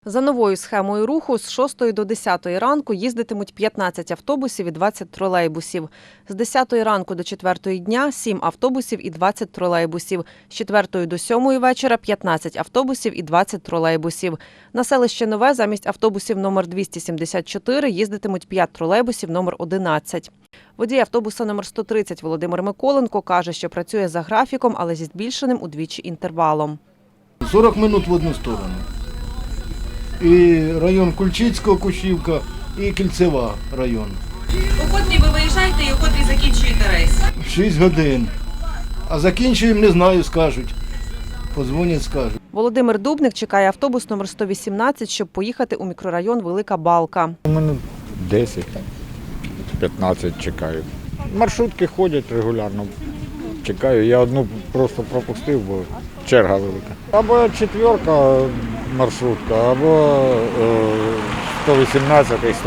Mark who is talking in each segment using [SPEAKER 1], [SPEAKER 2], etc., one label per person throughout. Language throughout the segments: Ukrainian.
[SPEAKER 1] За новою схемою руху з 6 до 10 ранку їздитимуть 15 автобусів і 20 тролейбусів. З 10 ранку до 4 дня – 7 автобусів і 20 тролейбусів. З 4 до 7 вечора – 15 автобусів і 20 тролейбусів. На селище Нове замість автобусів номер 274 їздитимуть 5 тролейбусів номер 11. Водій автобуса номер 130 Володимир Миколенко каже, що працює за графіком, але зі збільшеним удвічі інтервалом.
[SPEAKER 2] 40 минут в одну сторону. І район Кульчицького, Кущівка, і Кільцева район.
[SPEAKER 3] У котрій ви виїжджаєте і у котрій закінчуєте рейс?
[SPEAKER 2] 6 годин. А закінчуємо, не знаю, скажуть. Подзвонять, скажуть.
[SPEAKER 1] Володимир Дубник чекає автобус номер 118, щоб поїхати у мікрорайон Велика Балка.
[SPEAKER 4] У мене 10-15 чекаю. Маршрутки ходять регулярно. Чекаю. Я одну просто пропустив, бо черга велика. Або 4 маршрутка, або 118 і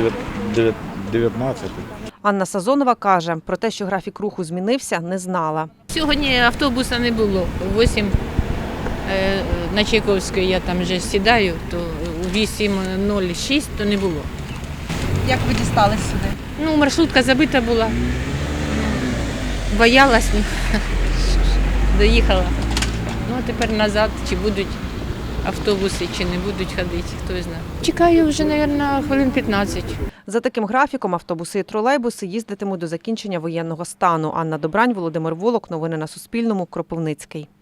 [SPEAKER 4] 119.
[SPEAKER 1] Анна Сазонова каже, про те, що графік руху змінився, не знала.
[SPEAKER 5] Сьогодні автобуса не було. У 8 на Чайковської я там вже сідаю, то у 8:06 то не було.
[SPEAKER 3] Як ви дістались сюди?
[SPEAKER 5] Ну, маршрутка забита була. Боялась, доїхала. Ну, а тепер назад, чи будуть автобуси, чи не будуть ходити, хто знає. Чекаю вже, мабуть, хвилин 15.
[SPEAKER 1] За таким графіком автобуси і тролейбуси їздитимуть до закінчення воєнного стану. Анна Добрань, Володимир Волок. Новини на Суспільному. Кропивницький.